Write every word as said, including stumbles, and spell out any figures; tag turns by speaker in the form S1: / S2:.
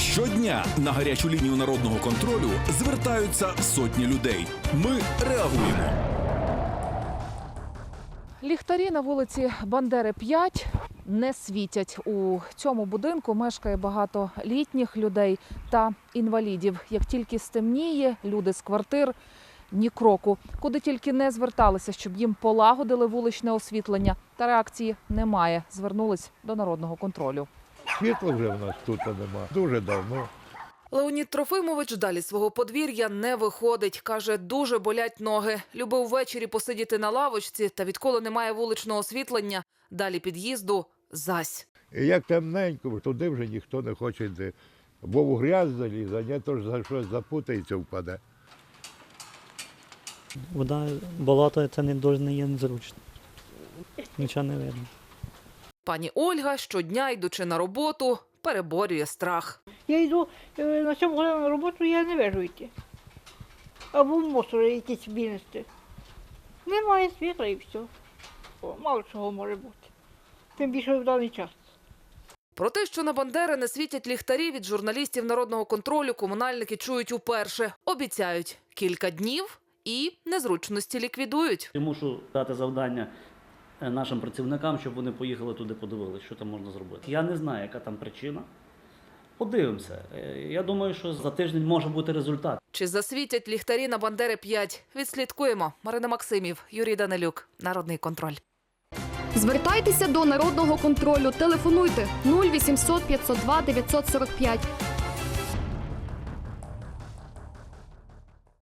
S1: Щодня на гарячу лінію народного контролю звертаються сотні людей. Ми реагуємо.
S2: Ліхтарі на вулиці Бандери, п'ять не світять. У цьому будинку мешкає багато літніх людей та інвалідів. Як тільки стемніє, люди з квартир ні кроку. Куди тільки не зверталися, щоб їм полагодили вуличне освітлення. Та реакції немає. Звернулись до народного контролю.
S3: Світла вже в нас тут нема. Дуже давно.
S2: Леонід Трофимович далі свого подвір'я не виходить. Каже, дуже болять ноги. Любив ввечері посидіти на лавочці, та відколи немає вуличного освітлення, далі під'їзду – зась.
S3: І як темненько, туди вже ніхто не хоче йти. Бо в грязь залізе, а не то ж за щось запутається, впаде.
S4: Вода, болото – це не дуже не є незручно. Нічого не видно.
S2: Пані Ольга щодня, йдучи на роботу, переборює страх.
S5: Я йду е, на сьому годину на роботу, я не вижу йти. Або в мусор якісь винести. Немає світла і все. О, мало чого може бути. Тим більше в даний час.
S2: Про те, що на Бандери не світять ліхтарі, від журналістів народного контролю комунальники чують уперше. Обіцяють – кілька днів і незручності ліквідують.
S6: Я мушу дати завдання нашим працівникам, щоб вони поїхали туди, подивилися, що там можна зробити. Я не знаю, яка там причина. Подивимося. Я думаю, що за тиждень може бути результат.
S2: Чи засвітять ліхтарі на Бандери п'ять? Відслідкуємо. Марина Максимів, Юрій Данилюк. Народний контроль.
S7: Звертайтеся до народного контролю. Телефонуйте нуль вісімсот п'ятсот два дев'ятсот сорок п'ять.